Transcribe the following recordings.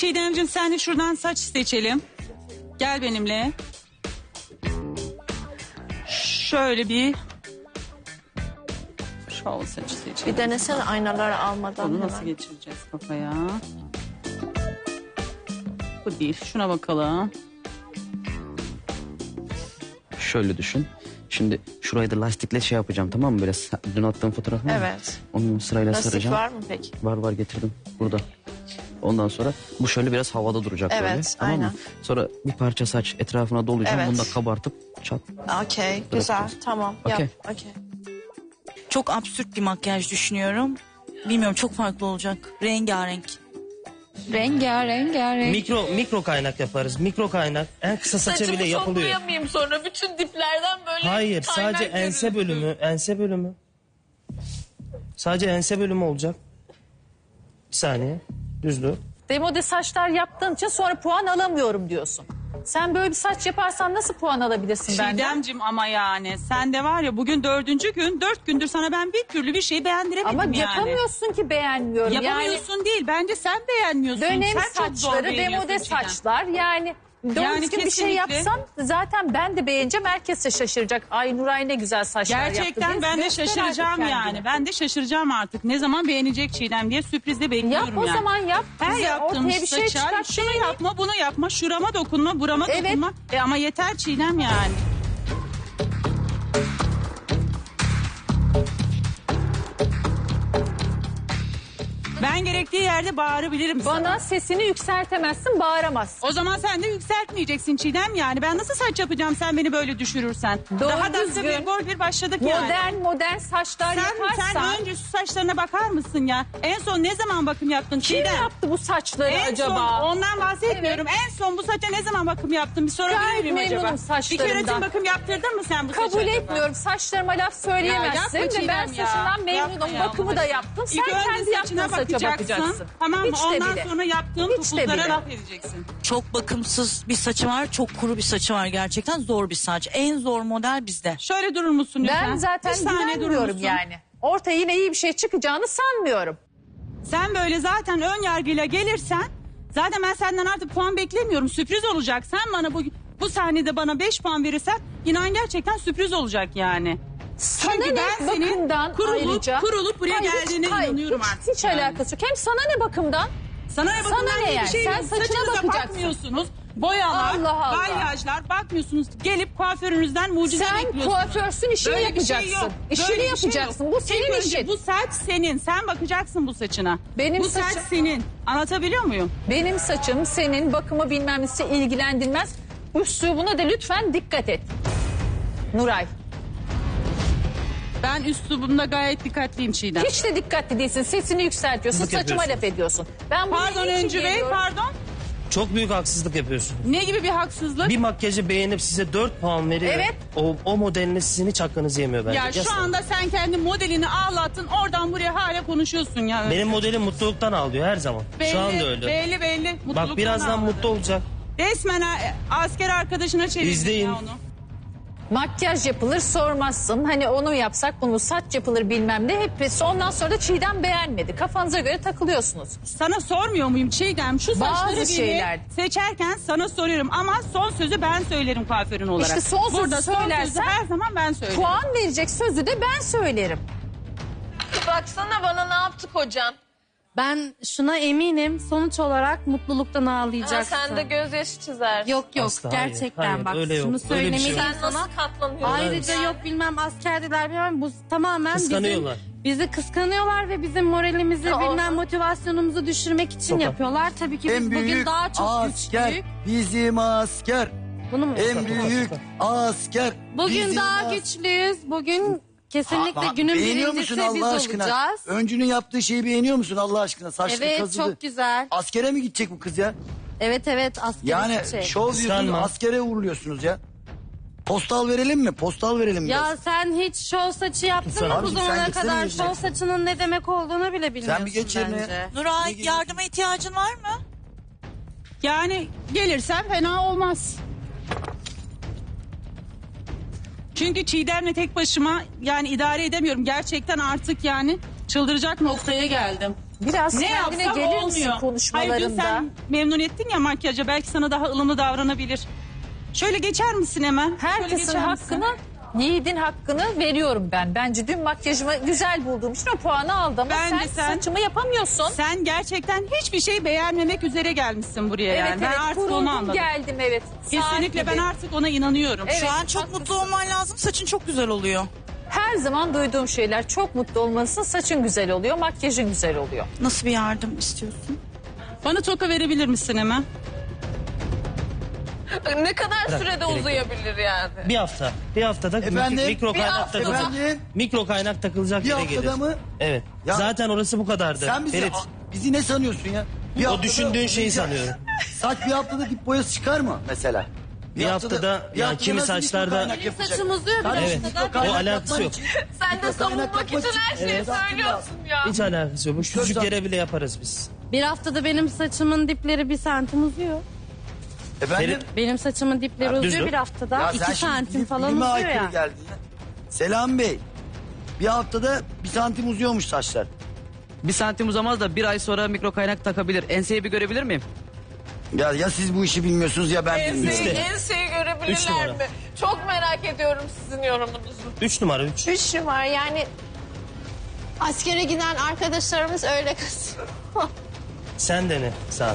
Çiğdemciğim sen de şuradan saç seçelim. Gel benimle. Şöyle bir şov saçı seçelim. Bir denesene aynaları almadan. Bunu nasıl hemen. geçireceğiz kafaya? Bu değil. Şuna bakalım. Şöyle düşün. Şimdi şurayı da lastikle şey yapacağım, tamam mı? Böyle dün attığım fotoğraf var mı? Evet. Onu sırayla Lastik saracağım. var mı peki? Var getirdim burada. Ondan sonra bu şöyle biraz havada duracak Evet, böyle. Tamam mı? aynen. Sonra bir parça saç etrafına dolayacağım. Evet. Bunu da kabartıp çat. Okey, güzel. Bırakacağız. Tamam, Okey. yap. Okey. Çok absürt bir makyaj düşünüyorum. Bilmiyorum, çok farklı olacak. Rengarenk. Rengarenk. Mikro kaynak yaparız. Mikro kaynak. En kısa saça bile yapılıyor. Saçımı sonra bütün diplerden böyle Hayır, kaynak sadece ense görürsün. bölümü. Sadece ense bölümü olacak. Bir saniye. Düz dur. Demode saçlar yaptığın için sonra puan alamıyorum diyorsun. Sen böyle bir saç yaparsan nasıl puan alabilirsin benden? Çiğdemciğim ama yani sen de var ya bugün 4. gün 4 gündür sana ben bir türlü bir şey beğendiremedim Ama yani. yapamıyorsun ki beğenmiyorum. Yapamıyorsun değil bence sen beğenmiyorsun. Yani dönem sen çok zor saçları, beğeniyorsun demode Çiğdem. saçlar yani... Doğru Yani düzgün bir şey kesinlikle. yapsam zaten ben de beğeneceğim. Herkes de şaşıracak. Ay Nuray ne güzel saçlar yaptı. Gerçekten diye ben de göster şaşıracağım artık yani. kendini. Ben de şaşıracağım artık. Ne zaman beğenecek Çiğdem diye sürprizle bekliyorum Yap o yani. zaman yap. Her Bize yaptığım ortaya bir şey saça çıkart. şunu yapma bunu yapma şurama dokunma burama Evet. dokunma. Ama yeter Çiğdem yani. Ben gerektiği yerde bağırabilirim sana. Bana sesini yükseltemezsin, bağıramazsın. O zaman sen de yükseltmeyeceksin Çiğdem yani. Ben nasıl saç yapacağım sen beni böyle düşürürsen. Doğru Daha da düzgün. bir gol bir başladık yani. Modern saçlar yaparsan... Sen önce şu saçlarına bakar mısın ya? En son ne zaman bakım yaptın Kim Çiğdem? yaptı bu saçları En acaba? son ondan bahsetmiyorum. En son bu saça ne zaman bakım yaptın? Bir sorabilir Gayet miyim acaba? memnunum Bir saçlarımdan. kere bakım yaptırdın mı sen bu saça? Kabul acaba? etmiyorum. Saçlarıma laf söyleyemezsin. Ya yapma Ve ben Çiğdem ya. saçından memnunum. Yapma ya, Bakımı da Allah yaptım. aşkına. Sen İlk önce kendi yaptığın saçına saça bakacaksın. Tamam mı? Hiç de Ondan bile. sonra yaptığın Hiç de topuklara bile. laf edeceksin. Çok bakımsız bir saçı var, çok kuru bir saçı var gerçekten. Zor bir saç. En zor model bizde. Şöyle durur musun lütfen? Ben zaten Bir saniye durur güvenmiyorum musun? yani. Ortaya yine iyi bir şey çıkacağını sanmıyorum. Sen böyle zaten ön yargıyla gelirsen zaten ben senden artık puan beklemiyorum. Sürpriz olacak. Sen bana bu sahnede bana 5 puan verirsen inan gerçekten sürpriz olacak yani. Sana Çünkü ne ben senin bakımdan ayrıca? kurulup buraya Hayır, geldiğine hayır, inanıyorum artık. Hiç yani. alakası yok. Hem sana ne bakımdan? Sana ne bakımdan ne diye yani? bir şey Sen yok. saçına Saçınıza bakacaksın. bakmıyorsunuz. Boyalar, Allah Allah. balyajlar bakmıyorsunuz. Gelip kuaförünüzden mucize Sen bekliyorsunuz. kuaförsün, işini Böyle bir şey yapacaksın. yok. İşini Böyle bir şey yapacaksın. yok. Bu senin İlk önce işin. Bu saç senin. Sen bakacaksın bu saçına. Benim bu saç saçım- senin. Anlatabiliyor muyum? Benim saçım senin bakımı bilmem nesi ilgilendirmez. Üslubuna da lütfen dikkat et. Nuray. Ben üslubumda gayet dikkatliyim Çiğdem. Hiç de dikkatli değilsin. Sesini yükseltiyorsun. Haksızlık Saçıma laf yapıyorsun. ediyorsun. Ben buraya Pardon niçin Öncü Bey, geliyorum? pardon. Çok büyük haksızlık yapıyorsun. Ne gibi bir haksızlık? Bir makyajı beğenip size 4 puan veriyor. Evet. O modeline sizin hiç hakkınızı yemiyor bence. Ya şu Gerçekten. anda sen kendi modelini ağlattın. Oradan buraya hala konuşuyorsun ya. Benim modelim mutluluktan ağlıyor her zaman. belli, Şu anda öyle. Belli. Bak Mutluluktan birazdan ağladı. mutlu olacak. Resmen asker arkadaşına çevirdin İzleyin. ya onu. Makyaj yapılır sormazsın. Hani onu yapsak bunu saç yapılır bilmem ne. Hepsi ondan sonra da Çiğdem beğenmedi. Kafanıza göre takılıyorsunuz. Sana sormuyor muyum Çiğdem? Şu Bazı saçları bile şeyler. seçerken sana soruyorum. Ama son sözü ben söylerim kuaförün olarak. İşte son sözü Burada son sözü söylersen her zaman ben söylerim. Puan verecek sözü de ben söylerim. Baksana bana ne yaptı kocam. Ben şuna eminim, sonuç olarak mutluluktan Ha, ağlayacaksın. sen de gözyaşı çizer. Yok Asla, hayır, gerçekten hayır, bak öyle yok. şunu Öyle bir şey söylemeliyim yok. Sen sana. nasıl katlanıyorsun? Ayrıca yok bilmem askerdiler bilmem bu tamamen Kıskanıyorlar. bizi kıskanıyorlar ve bizim moralimizi Ya bilmem olmaz. motivasyonumuzu düşürmek için Çok yapıyorlar. Tabii ki biz En bugün büyük daha çok asker güçlüyük. bizim asker. Bunu mu? En büyük asker Bugün bizim daha asker. güçlüyüz. Bugün kesinlikle Bak, günün beğeniyor birincisi musun biz Allah aşkına? olacağız. Öncünün yaptığı şeyi beğeniyor musun Allah aşkına? Saçlı Evet kazıdı. çok güzel. Askere mi gidecek bu kız ya? Evet asker Yani gidecek. şov diyorsunuz Kıskanma. askere uğurluyorsunuz ya. Postal verelim mi? Postal verelim Ya biraz. sen hiç şov saçı yaptın mı Abi bu sen zamana gitsene kadar? gezeceksin. Şov saçının ne demek olduğunu bile bilmiyorsun bir geç yerine. bence. Nuray, yardıma ihtiyacın var mı? Yani gelirsem fena olmaz. Çünkü Çiğdem'le tek başıma yani idare edemiyorum. Gerçekten artık yani çıldıracak noktaya geldim. Biraz Ne kendine yapsam gelir misin olmuyor. konuşmalarında? Hayır dün sen memnun ettin ya makyaja. Belki sana daha ılımlı davranabilir. Şöyle geçer misin hemen? Şöyle Herkesin geçer misin? hakkını, yiğidin hakkını veriyorum ben. Bence dün makyajımı güzel bulduğum için o puanı aldım. Ama Bence sen- saçımı yapamıyorsun. Sen gerçekten hiçbir şey beğenmemek üzere gelmişsin buraya Evet yani. Ben evet artık onu kuruldum anladım. geldim evet. Kesinlikle Saat ben gibi. artık ona inanıyorum. Evet, Şu an çok haklısın. mutlu olman lazım. Saçın çok güzel oluyor. Her zaman duyduğum şeyler çok mutlu olmalısın. Saçın güzel oluyor, makyajın güzel oluyor. Nasıl bir yardım istiyorsun? Bana toka verebilir misin hemen? Ne kadar sürede gerek yok. uzayabilir yani? Bir hafta. Bir haftada Efendim? mikro Bir kaynak hafta. takılacak. Efendim? Mikro kaynak takılacak Bir yere haftada gelir. mı? Evet. Ya- Zaten orası bu kadardı. Sen Ferit, bizi ne sanıyorsun ya? Bir o haftada- düşündüğün şeyi sanıyorum. Saç bir haftada dip boyası çıkar mı mesela? Bir haftada yani kimi nasıl mikro saçlarda- kaynak yapacak? Saçım uzuyor bir Kardeşim, Evet. mikro O kaynak alakası yapman yok. için- Sen de mikro kaynak savunmak yapmak için her şeyi Evet, söylüyorsun ya. Hiç alakası yok. Bu küçücük Şuradan- yere bile yaparız biz. Bir haftada benim saçımın dipleri 1 santim uzuyor. Efendim? Benim saçımın dipleri Ya, düz uzuyor dur. bir haftada. Ya 2 sen şimdi santim falan bilime uzuyor aykırı ya. geldin ya. Selam Bey. Bir haftada 1 santim uzuyormuş saçlar. 1 santim uzamaz da 1 ay sonra mikro kaynak takabilir. Enseyi bir görebilir miyim? Ya siz bu işi bilmiyorsunuz ya ben bilmiyorum. Enseyi Üç görebilirler numara. mi? Çok merak ediyorum sizin yorumunuzu. 3 numara 3. 3 numara yani askere giden arkadaşlarımız öyle kızıyor. Sen de ne sağdan?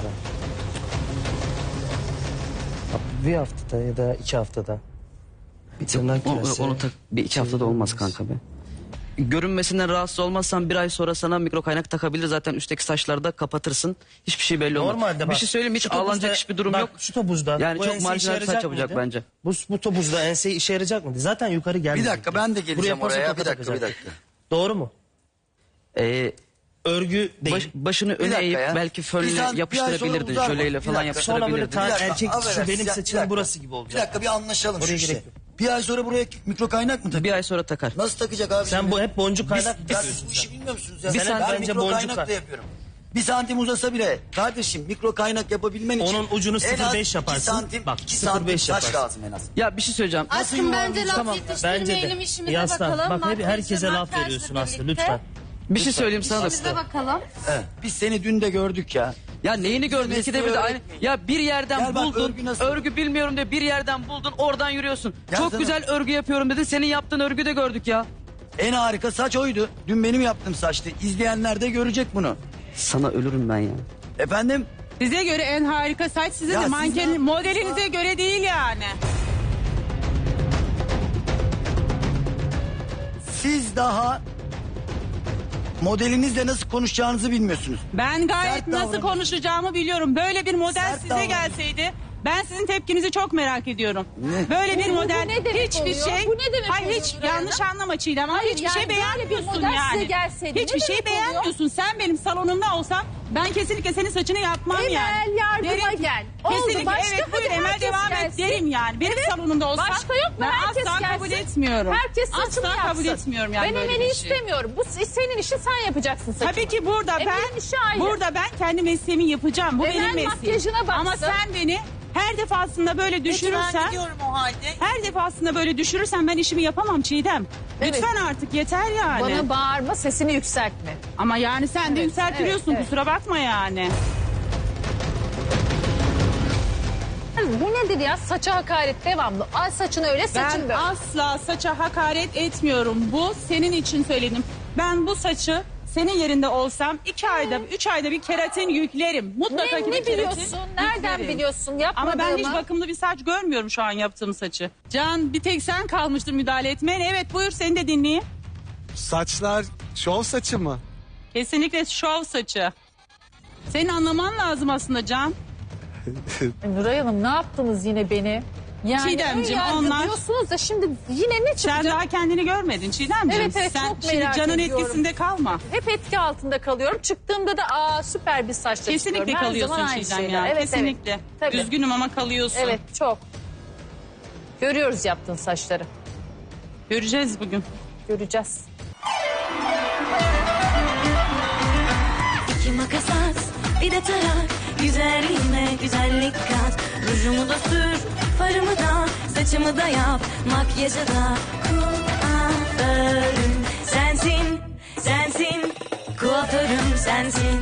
Bir haftada ya da 2 haftada. Bir tırnak küresi. Onu tak, bir 2 haftada olmaz kanka be. Görünmesinden rahatsız olmazsan 1 ay sonra sana mikro kaynak takabilir. Zaten üstteki saçlarda kapatırsın. Hiçbir şey belli olmaz. Normalde bir bak. şey söyleyeyim mi? Hiç şu topuzda- ağlanacak hiçbir durum bak, yok. Şu topuzda. Yani bu çok ense marjinal işe bir saç yarayacak yapacak mıydı? bence. Bu topuzda ense işe yarayacak mıydı? Zaten yukarı gelmedi. Bir dakika ben de geleceğim Buraya oraya. toka Bir dakika takacak. bir dakika. Doğru mu? Örgü değil. Başını Bir öne dakika eğip ya. belki Bir fönle ay sonra yapıştırabilirdin. uzar mı? Jöleyle Bir falan dakika. Sonra böyle yapıştırabilirdin. ta- Bir dakika, erkek şu affedersin benim ya, saçımın bir dakika. burası gibi Bir olacak. dakika bir anlaşalım Oraya şu işi. gerek yok. Bir ay sonra buraya mikro kaynak mı takacak? 1 ay sonra takar. Nasıl takacak abi? Sen şimdi? bu hep boncuk kaynak Ya yapıyorsun siz bu sen. işi bilmiyor musunuz ya? Bir Ben santim bence mikro boncuk kaynak var. da yapıyorum. 1 santim uzasa bile kardeşim mikro kaynak yapabilmen için Onun ucunu en az 0,5 yaparsın. 2 santim, Bak, 2 0,5 santim saç yaparsın. lazım en az. Ya bir şey söyleyeceğim. Aşkım bence laf Tamam, yetiştirmeyelim bence de. işimize Yaslan, bakalım. bak hep Makyajla, herkese laf makyajla veriyorsun Aslı birlikte. lütfen. Bir şey söyleyeyim sana da. İşimize bakalım. Evet. Biz seni dün de gördük ya. Ya neyini gördün? Mesleği İkide bir de aynı. öğretmeyin. Ya bir yerden Gel bak, buldun. örgü nasıl? Örgü bilmiyorum diye bir yerden buldun. Oradan yürüyorsun. Gel Çok sana. güzel örgü yapıyorum dedi. Senin yaptığın örgü de gördük ya. En harika saç oydu. Dün benim yaptığım saçtı. İzleyenler de görecek bunu. Sana ölürüm ben ya. Efendim? Size göre en harika saç size Ya de siz manken ne yaptınız modelinize ya? göre değil yani. Siz daha modelinizle nasıl konuşacağınızı bilmiyorsunuz. Ben gayet Sert nasıl davranıyorsun. konuşacağımı biliyorum. Böyle bir model Sert size davranıyorsun. gelseydi ben sizin tepkinizi çok merak ediyorum. Ne? Böyle bir Bu model ne demek hiçbir oluyor? şey. Bu ne demek Hayır oluyor hiç Nuray Hanım? yanlış anlama Çiğdem ama Hayır, hiçbir yani şey böyle bir beğenmiyorsun model size yani. gelseydi Hiçbir ne şey demek oluyor? beğenmiyorsun. Sen benim salonumda olsan ben kesinlikle senin saçını yapmam Emel, yani. yardıma Derim ki, gel. Oldu, Kesinlikle başka, evet hadi buyur Emel herkes devam et gelsin. derim yani. Benim salonumda olsan Başka yok mu? ben Herkes asla gelsin. kabul etmiyorum. Herkes saçını asla yapsın. kabul etmiyorum yani Ben böyle Emel'i bir şey. istemiyorum. Bu senin işin, sen yapacaksın saçını. Tabii ki burada Emel'in işi ayrı. ben kendi mesleğimi yapacağım. Bu Emel benim mesleğim. makyajına baksın. Ama sen beni her defasında böyle Peki ben düşürürsen, gidiyorum o halde. her defasında böyle düşürürsen ben işimi yapamam Çiğdem. Evet. Lütfen artık yeter yani. Bana bağırma, sesini yükseltme. Ama yani sen de Evet, yükseltiliyorsun evet, evet. kusura bakma yani. Bu nedir ya? Saça hakaret devamlı. Al saçını öyle, saçın Ben böyle. asla saça hakaret etmiyorum. Bu senin için söyledim. Ben bu saçı senin yerinde olsam 2 ayda 3 ayda bir keratin yüklerim. Mutlaka ki Ne bir keratin biliyorsun? Nereden yüklerim. biliyorsun? Ama Yapmadığımı. ben hiç bakımlı bir saç görmüyorum şu an yaptığım saçı. Can bir tek sen kalmıştır müdahale etmeyen. Evet buyur seni de dinleyeyim. Saçlar şov saçı mı? Kesinlikle şov saçı. Senin anlaman lazım aslında Can. Nuray Hanım ne yaptınız yine beni? Yani Çiğdemciğim, ön yargı onlar- diyorsunuz da şimdi yine ne Sen çıkacak? daha kendini görmedin Çiğdemciğim. Evet, evet, sen çok şimdi merak Can'ın ediyorum. etkisinde kalma. Hep etki altında kalıyorum. Çıktığımda da süper bir saçla Kesinlikle çıkıyorum. Her kalıyorsun zaman aynı Çiğdem şeyler. ya. Evet, Kesinlikle. Evet. Tabii. Üzgünüm ama kalıyorsun. Evet çok. Görüyoruz yaptığın saçları. Göreceğiz bugün. Göreceğiz. İki makas at, bir de tarak. Güzelliğime güzellik kat. Rujumu da sür, farımı da, saçımı da yap. Makyajı da kuaförüm sensin, sensin. Kuaförüm sensin.